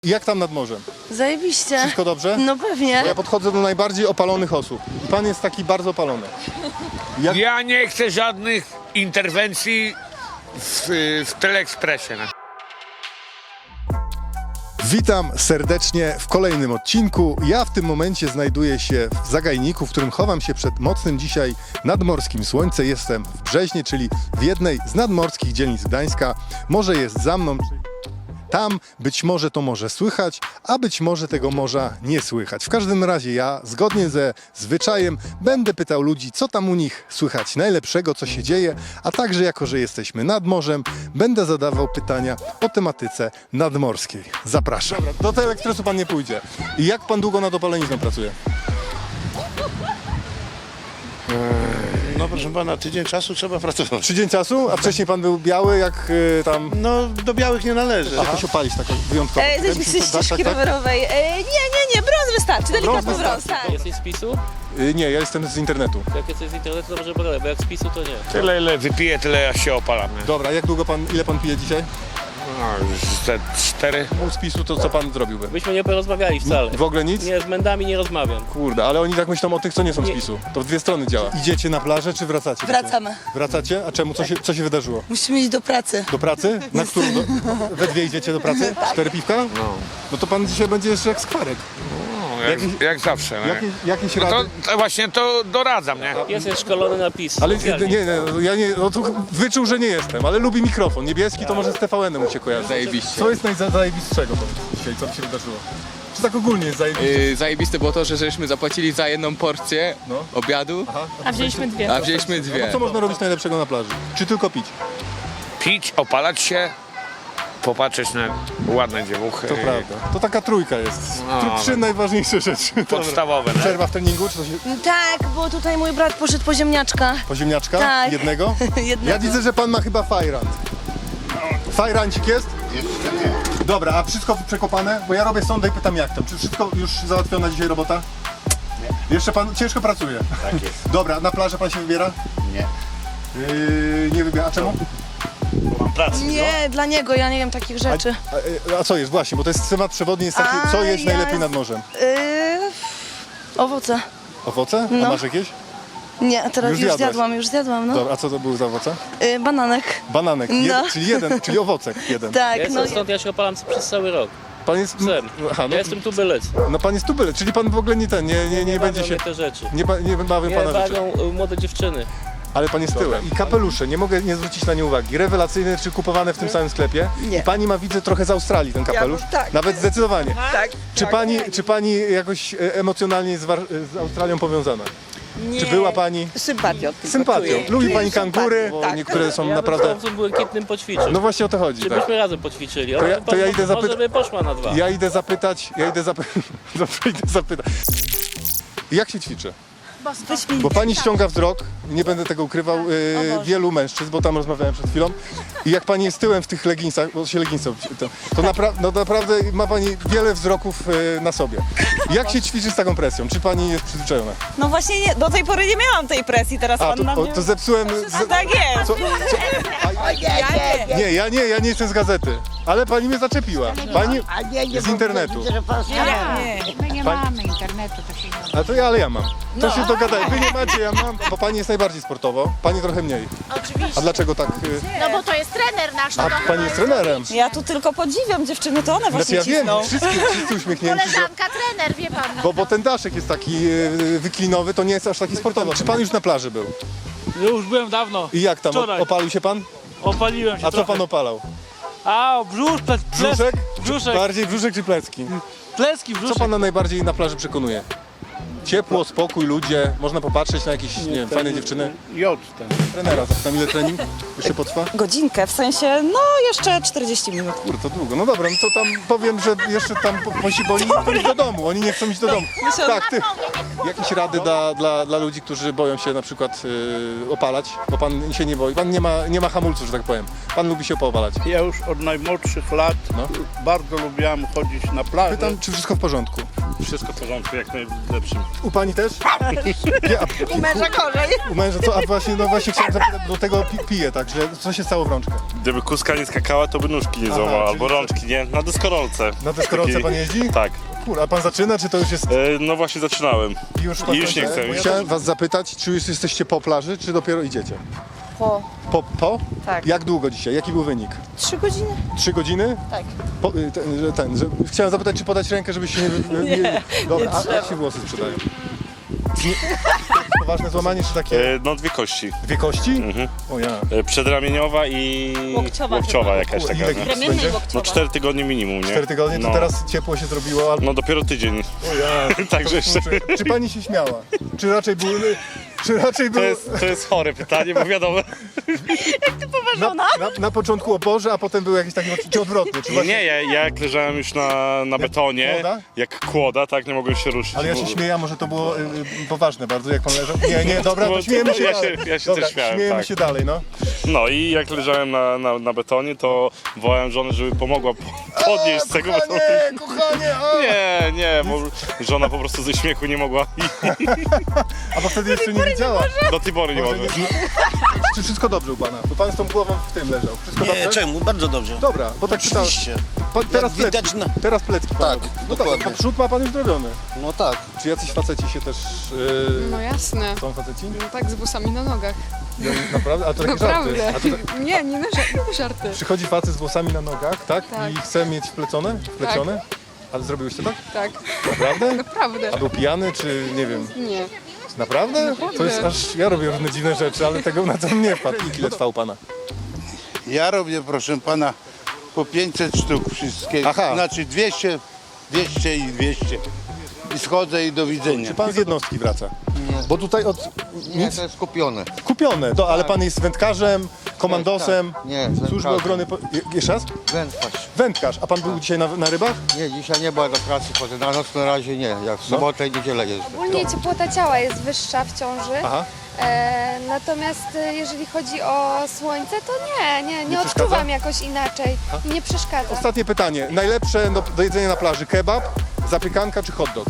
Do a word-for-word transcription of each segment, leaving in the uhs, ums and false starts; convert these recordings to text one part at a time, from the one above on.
Jak tam nad morzem? Zajebiście. Wszystko dobrze? No pewnie. Bo ja podchodzę do najbardziej opalonych osób. I pan jest taki bardzo opalony. Jak... Ja nie chcę żadnych interwencji w, w Teleekspresie. No. Witam serdecznie w kolejnym odcinku. Ja w tym momencie znajduję się w zagajniku, w którym chowam się przed mocnym dzisiaj nadmorskim słońcem. Jestem w Brzeźnie, czyli w jednej z nadmorskich dzielnic Gdańska. Morze jest za mną. Tam być może to morze słychać, a być może tego morza nie słychać. W każdym razie ja, zgodnie ze zwyczajem, będę pytał ludzi, co tam u nich słychać najlepszego, co się dzieje, a także, jako że jesteśmy nad morzem, będę zadawał pytania o tematyce nadmorskiej. Zapraszam. Dobra, do Teleekspresu pan nie pójdzie. I jak pan długo nad opalenizną pracuje? No proszę pana, tydzień czasu trzeba pracować. Tydzień czasu? A wcześniej pan był biały, jak y, tam... No do białych nie należy. Jakoś opalić tak wyjątkowo. E, Jesteśmy przy ścieżki rowerowej. E, nie, nie, nie, brąz wystarczy, delikatny brąz, tak. Jesteś z PiSu? Y, nie, ja jestem z internetu. Jak jesteś z internetu, to może pogadać, bo jak z PiSu, to nie. Tyle ile wypiję, tyle ja się opalam. Nie? Dobra, jak długo pan, ile pan pije dzisiaj? No, już te cztery. Pół spisu, to co pan zrobiłby? Byśmy nie porozmawiali wcale. W ogóle nic? Nie, z mędami nie rozmawiam. Kurde, ale oni tak myślą o tych, co nie są z Nie. PiSu. To w dwie strony działa. Idziecie na plażę, czy wracacie? Wracamy. Wracacie? A czemu? Co się, co się wydarzyło? Musimy iść do pracy. Do pracy? Na którą? Do... We dwie idziecie do pracy? Cztery piwka? No, No to pan dzisiaj będzie jeszcze jak skwarek. no jak, Jakieś- jak zawsze. No. Jakieś, jakieś No to, rady? to właśnie to doradzam, nie? Pies jest szkolony na PiS. Ale nie, Specjalnie. nie, nie, ja nie, no to wyczuł, że nie jestem, ale lubi mikrofon. Niebieski to może z T V N-em mu się kojarzy. Zajebiście. Co jest najzajebistszego dzisiaj, co się wydarzyło? Czy tak ogólnie jest zajebiście? Yy, zajebiste było to, że żeśmy zapłacili za jedną porcję No. obiadu, A wzięliśmy dwie. a wzięliśmy No dwie. co można robić najlepszego na plaży? Czy tylko pić? Pić, opalać się, popatrzeć na ładne dziewuchy. To prawda. To taka trójka jest. No, Tr- Trzy no. najważniejsze rzeczy. Dobra. Podstawowe, nie? Przerwa w treningu, czy to się... Tak, bo tutaj mój brat poszedł po ziemniaczka. Po ziemniaczka? Tak. Jednego? Jednego. Ja widzę, że pan ma chyba fajrant. Fajrancik jest? Jeszcze nie. Dobra, a wszystko przekopane? Bo ja robię sondę i pytam jak tam. Czy wszystko już załatwiona dzisiaj robota? Nie. Jeszcze pan ciężko pracuje? Tak jest. Dobra, na plażę pan się wybiera? Nie. Yy, nie wybiera. A czemu? Mam pracę. Nie, dla niego, ja nie wiem takich rzeczy. A, a, a co jest? Właśnie, bo to jest temat przewodni, jest taki, A, co jest ja- najlepiej nad morzem? Yy, owoce. Owoce? A No. masz jakieś? Nie, teraz Już już, zjadłaś? zjadłam, już zjadłam, no. Dobra, a co to były za owoce? Yy, bananek. Bananek, No. jeden, czyli jeden, czyli owocek jeden. Tak, Ja no. jestem stąd, ja się opalam przez cały rok. Pan jest... Psem. Aha, no, Ja jestem tubylec. no pan jest tubyle, czyli pan w ogóle nie ten, nie, nie, nie będzie bawią się... mnie te rzeczy. Nie, ba- nie bawią Nie pana rzeczy. bawią y, młode dziewczyny. Ale pan jest tyłem. I kapelusze, nie mogę nie zwrócić na nie uwagi. Rewelacyjne, czy kupowane w tym samym sklepie. Nie. I pani ma, widzę, trochę z Australii ten kapelusz. tak. Nawet zdecydowanie. Tak. Czy pani, czy pani jakoś e, emocjonalnie z, War- z Australią powiązana? Czy była pani Sympatią. tylko sympatią? czuję. Lubi Czuję pani kangury, sympatię, bo tak. niektóre są Ja naprawdę... bym z tą błękitnym poćwiczył. No właśnie o to chodzi, Czy tak. byśmy razem poćwiczyli? To ja- On- to ja on- idę zapyta- Może by poszła na dwa. Ja idę zapytać, ja idę zapytać, dobrze, idę zapytać. Jak się ćwiczy? Bo pani ściąga wzrok, nie będę tego ukrywał, yy, wielu mężczyzn, bo tam rozmawiałem przed chwilą. I jak pani jest tyłem w tych leginsach, bo się leginsy obci- to, to napra- no naprawdę ma pani wiele wzroków yy, na sobie. Jak się ćwiczy z taką presją? Czy pani jest przyzwyczajona? No właśnie nie, do tej pory nie miałam tej presji, teraz A, pan na to, o, mnie... to zepsułem... A tak jest. Co, co, a, Ja nie. nie, ja nie, ja nie jestem z gazety. Ale pani mnie zaczepiła. Pani A nie, nie, z bo internetu. widzę, że pan Nie, nie. My nie Pani- mamy internetu, to się nie... A to ja, ale ja mam. To się dogadaj. Wy nie macie, ja mam. Bo pani jest najbardziej sportowo, pani trochę mniej. Oczywiście. A dlaczego tak? y, No bo to jest trener nasz. No A to pani jest trenerem. Ja tu tylko podziwiam dziewczyny, to one Znaczy właśnie ja wiem, cisną. wszyscy, wszyscy uśmiechnięci, że, koleżanka trener, wie pan. bo, bo ten daszek jest taki y, wyklinowy, to nie jest aż taki sportowy. Czy pan już na plaży był? Już byłem dawno. I jak tam? Wczoraj. Opalił się pan? Opaliłem się A co trochę. pan opalał? A, brzusz, ple, ples, Brzuszek? brzuszek, Bardziej brzuszek czy plecki? pleski, Co brzuszek. pana najbardziej na plaży przekonuje? Ciepło, spokój, ludzie, można popatrzeć na jakieś, nie wiem, fajne dziewczyny. Jod ten. Trenera, zapytam, ile trening jeszcze potrwa? Godzinkę, w sensie, no jeszcze czterdzieści minut. Kurde, to długo. No dobra, no to tam powiem, że jeszcze tam po- posi, bo oni nie chcą iść do domu. Oni nie chcą iść do domu. Tak, ty. Jakieś rady dla, dla, dla ludzi, którzy boją się na przykład yy, opalać, bo pan się nie boi. Pan nie ma, nie ma hamulców, że tak powiem. Pan lubi się poopalać. Ja już od najmłodszych lat No. bardzo lubiłam chodzić na plażę. Pytam, czy wszystko w porządku? Wszystko w porządku, jak najlepszym. U pani też? Nie, a, U męża gorzej. u męża co? A właśnie, no właśnie chciałem zapytać, do tego pi, pije, tak? Źle, co się stało w rączkę? Gdyby kuska nie skakała, to by nóżki nie Aha, złamała, czyli albo co? rączki, nie? Na deskorolce. Na deskorolce Takiej- pan jeździ? Tak. Kur, a pan zaczyna, czy to już jest... E, no właśnie zaczynałem. Już, I już nie chcę. Chciałem was zapytać, czy już jesteście po plaży, czy dopiero idziecie? Po Po? po? Tak. Jak długo dzisiaj? Jaki był wynik? trzy godziny. Trzy godziny? Tak. Po, y, ten, że ten, że, chciałem zapytać, czy podać rękę, żeby się nie... wy- nie, nie Dobra, a jak się włosy sprzedają? Nie, poważne złamanie, czy takie E, no dwie kości. dwie kości? Mhm. O ja. E, przedramieniowa i Łokciowa łokciowa chyba. jakaś Ile taka. gips No. Ramienna i będzie? łokciowa. no cztery tygodnie minimum, nie? Cztery tygodnie, to no. teraz ciepło się zrobiło, albo... No dopiero tydzień. O ja. Także jeszcze... Czy, czy pani się śmiała? Czy raczej był... Czy raczej To był... jest, to jest chore pytanie, bo wiadomo. Na, na, na początku o Boże, a potem był jakiś taki czy odwrotny, czy właśnie... Nie, ja, ja jak leżałem już na, na betonie, kłoda? jak kłoda, tak, nie mogłem się ruszyć. Ale ja się bo- śmieję, a może to było y, y, poważne bardzo, jak pan leżał? Nie, nie, dobra, to Bo- śmiejemy się ja dalej. się- ja się Dobra, też śmiałem, śmiejemy tak. się dalej, no. No i jak leżałem na, na, na betonie, to wołałem żonę, żeby pomogła po- podnieść z tego betonu. Kochanie, kochanie, a! Nie, nie, bo żona po prostu ze śmiechu nie mogła i A bo wtedy jeszcze nie wiedziała. do tej pory nie Może mogła. nie- Czy wszystko dobrze u pana? Bo pan z tą głową w tym leżał. Wszystko dobrze? czemu? Bardzo dobrze. Dobra, bo tak czytałem. Pan, teraz widać plecki, na- teraz plecki pan Tak, robi. No dokładnie. dobra, przód ma pan już zrobiony. No tak. Czy jacyś faceci się też... Yy, No jasne. są faceci? No tak, z włosami na nogach. Naprawdę? A to takie żarty. Naprawdę. A to, tak- Nie, nie na żarty. Nie na żarty. przychodzi facet z włosami na nogach, tak? Tak. I chce mieć wplecione? Wplecione? Ale zrobiłeś to tak? Tak, Naprawdę? naprawdę. A był pijany, czy nie wiem? Nie. Naprawdę? Naprawdę. To jest aż... Ja robię różne dziwne rzeczy, ale tego na to nie wpadł. Ile trwał pana? Ja robię, proszę pana, po pięćset sztuk wszystkie. Aha. Znaczy dwieście, dwieście i dwieście. I schodzę i do widzenia. Czy pan z jednostki wraca? Bo tutaj od... Nic? to jest kupione. Kupione, to, ale pan jest wędkarzem, komandosem, Tak, nie, służby wędkarzem. ochrony... Po... Je- Jeszcze raz? Wędkarz. Wędkarz. A pan był dzisiaj na, na rybach? Nie, dzisiaj nie była do pracy, chodzę na noc na razie nie. Jak w sobotę i niedzielę jeżdżę. Ogólnie ciepłota ciała jest wyższa w ciąży. Aha. E, natomiast e, jeżeli chodzi o słońce, to nie, nie, nie, Nie odczuwam przeszkadza? jakoś inaczej. I nie przeszkadza. Ostatnie pytanie. Najlepsze do, do jedzenia na plaży? Kebab, zapiekanka czy hot dog?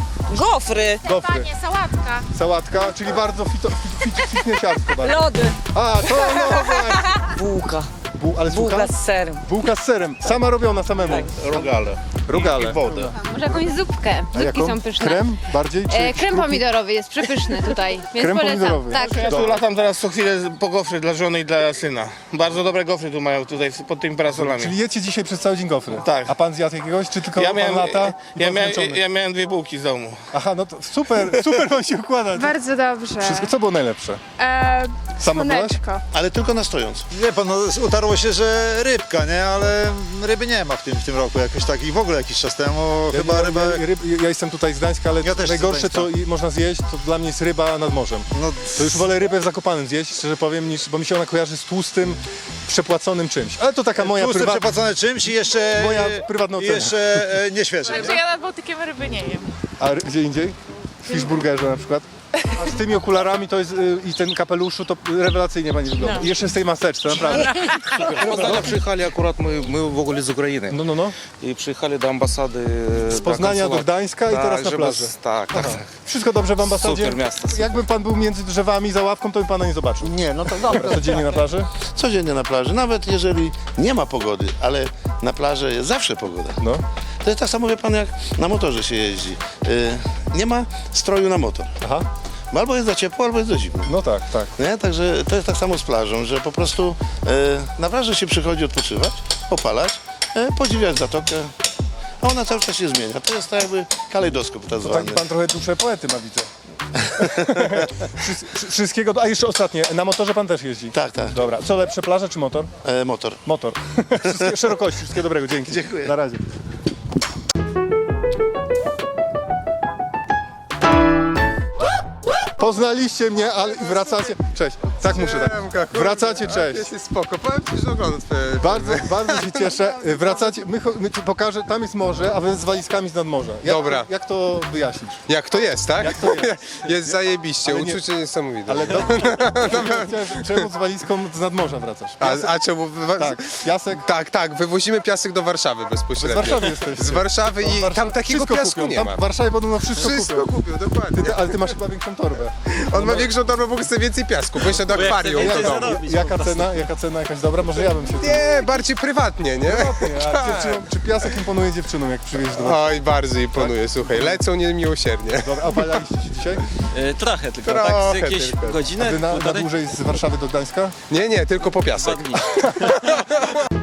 Gofry. Gofry. Panie, sałatka. Sałatka, czyli bardzo fito, fit, fit, fitnessiarsko bardzo. Lody. A, to no właśnie. Bułka. Bu, ale Bułka słucham? z serem. Bułka z serem. Sama robiona samemu. Rogale. Rogale. I wodę. Może jakąś zupkę. A jaką? Krem bardziej? Czy E, krem szkrupi? pomidorowy jest przepyszny tutaj, więc Krem polecam. pomidorowy. Tak. Ja tu Dobra. latam teraz co chwilę po gofry dla żony i dla syna. Bardzo dobre gofry tu mają tutaj pod tymi parasolami. Czyli jecie dzisiaj przez cały dzień gofry? Tak. A pan zjadł jakiegoś, czy tylko Ja pan miałem, lata i ja, pan miałem, zmęczony? ja miałem dwie bułki z domu. Aha, no to super, super wam się układa. Bardzo dobrze. Wszystko, co było najlepsze? E, Sama byłaś? słoneczko. Ale tylko na stojąc. Nie pan, no, utarło się, że rybka, nie? Ale ryby nie ma w tym, w tym roku jakoś tak i w ogóle jakiś czas temu Ja, chyba ja, ryba... ja, ryb, ja jestem tutaj z Gdańska, ale Ja też najgorsze, z co Gdańska. i- można zjeść, to dla mnie jest ryba nad morzem. No, To już wolę rybę w Zakopanem zjeść, szczerze powiem, niż, bo mi się ona kojarzy z tłustym, przepłaconym czymś. Ale to taka moja tłuste prywatna... przepłacone czymś i jeszcze... Moja prywatna i ocena. jeszcze e, nieświeże. nie? Ja nad Bałtykiem ryby nie jem. A ry- gdzie indziej? W Fishburgerze na przykład. A z tymi okularami to jest, y, i ten kapeluszu to rewelacyjnie pani wygląda. I jeszcze z tej maseczce, naprawdę. Poznania przyjechali akurat, my, my w ogóle z Ukrainy. No, no, no. I przyjechali do ambasady. Z Poznania do Gdańska i teraz na plaży. Tak, tak. Wszystko dobrze w ambasadzie? Super miasto, super. Jakby pan był między drzewami za ławką, to bym pana nie zobaczył. Nie, no to dobra. Codziennie na plaży? Codziennie na plaży, nawet jeżeli nie ma pogody, ale na plaży jest zawsze pogoda. No. To jest tak samo, wie pan, jak na motorze się jeździ. Yy, nie ma stroju na motor. Aha. Bo albo jest za ciepło, albo jest za zimno. No tak, tak. Nie? Także to jest tak samo z plażą, że po prostu e, na plaży się przychodzi odpoczywać, opalać, e, podziwiać zatokę, a ona cały czas się zmienia. To jest tak jakby kalejdoskop tak To zwany. taki pan trochę duszę poety ma, widzę. Wszy- Wszystkiego, do- a jeszcze ostatnie, na motorze pan też jeździ? Tak, tak. Dobra, co lepsze, plaża czy motor? E, motor. Motor. Wszystkie, szerokości, wszystkiego dobrego, dzięki. Dziękuję. Na razie. Poznaliście mnie, ale wracacie. Cześć. Tak muszę tak. Wracacie, cześć. Jest spoko, powiem ci, że oglądam twoje... Bardzo, bardzo się cieszę. Wracacie. My, cho- my ci pokażę, tam jest morze, a wy z walizkami z nadmorza. Jak, Dobra. Jak to wyjaśnisz? Jak to jest, tak? Jak to jest? Jest zajebiście, Ale nie- uczucie niesamowite. Ale do... Chciałem, czemu z walizką z nadmorza wracasz? A, Piasek, a czemu... tak, piasek. Tak, tak, wywozimy piasek do Warszawy bezpośrednio. Z Warszawy jesteście. Z Warszawy i Warszaw- tam takiego wszystko piasku kupią. nie Tam ma. w Warszawie podobno wszystko, Wszystko kupią. kupił, dokładnie. Ty, ale ty masz chyba większą torbę. On ma większą torbę, bo chce więcej piasku, bo jeszcze do akwarium. Jaka, do domu. jaka cena? Jaka cena? Jakaś dobra? Może ja bym się... Nie, bardziej prywatnie, nie? Nie, a dziewczynom, czy piasek imponuje dziewczynom, jak przywieźć do was? Oj, bardzo imponuje, słuchaj, lecą niemiłosiernie. Dobra, a baliście się dzisiaj? trochę tylko, Trochę tak z jakieś tylko. A godzinę, wy na, na półtorej, dłużej z Warszawy do Gdańska? Nie, nie, tylko po piasek. dwa dni.